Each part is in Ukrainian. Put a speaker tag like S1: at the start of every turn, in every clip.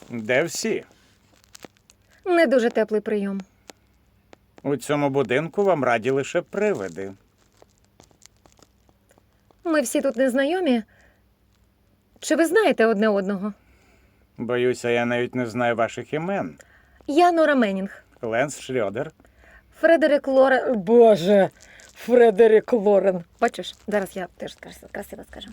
S1: Де всі?
S2: Не дуже теплий прийом.
S1: У цьому будинку вам раді лише привиди.
S2: Ми всі тут незнайомі. Чи ви знаєте одне одного?
S1: Боюся, я навіть не знаю ваших імен.
S2: Я Нора Меннінг.
S1: Ленс Шльодер.
S2: Фредерік Лорен. Боже, Фредерік Лорен. Бачиш, зараз я теж красиво скажу.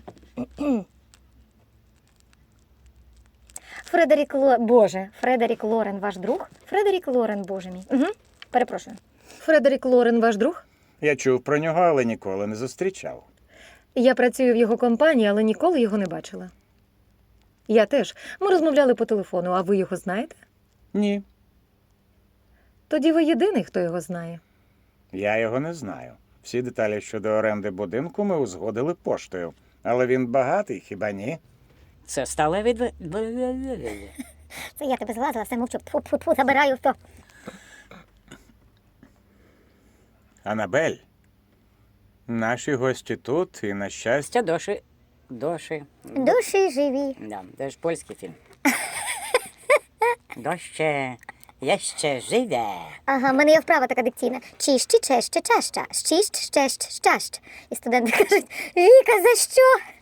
S2: Фредерік Лорен ваш друг? Фредерік Лорен, боже мій. Угу. Перепрошую. Фредерік Лорен ваш друг?
S1: Я чув про нього, але ніколи не зустрічав.
S2: Я працюю в його компанії, але ніколи його не бачила. Я теж. Ми розмовляли по телефону, а ви його знаєте?
S1: Ні,
S2: Тоді ви єдиний, хто його знає.
S1: я його не знаю. Всі деталі щодо оренди будинку ми узгодили поштою. Але він багатий, хіба ні?
S3: Це сталеві
S4: Це я тебе злазила, все мовчу. Тьфу-тьфу-тьфу, забираю то.
S1: Анабель, наші гості тут, і на щастя...
S3: Доші. Доші.
S4: Душі живі.
S3: Да, це ж польський фільм. Доще. Я ще живе.
S4: Ага, в мене є вправа така диктійна. Чищі, чеще, чаща. Щіщ, щещ, щащ. І студенти кажуть, Віка, за що?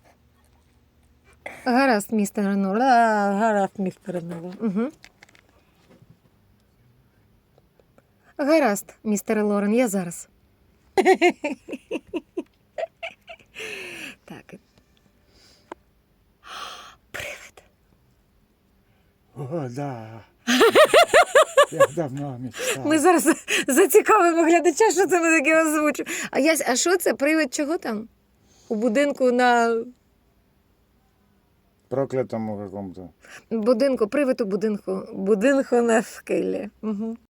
S2: Гаразд, містер Нора. Гаразд, містер Нора. Угу. Гаразд, містер Лорен, я зараз. Так. Привид.
S1: О, да. Я давно мечтав.
S2: Ми зараз зацікавимо глядача, що це ми таке озвучимо. А що це? Привид чого там? У будинку на...
S1: Проклятому какому-то.
S2: Будинку, привид у будинку. Будинку на скелі. Угу.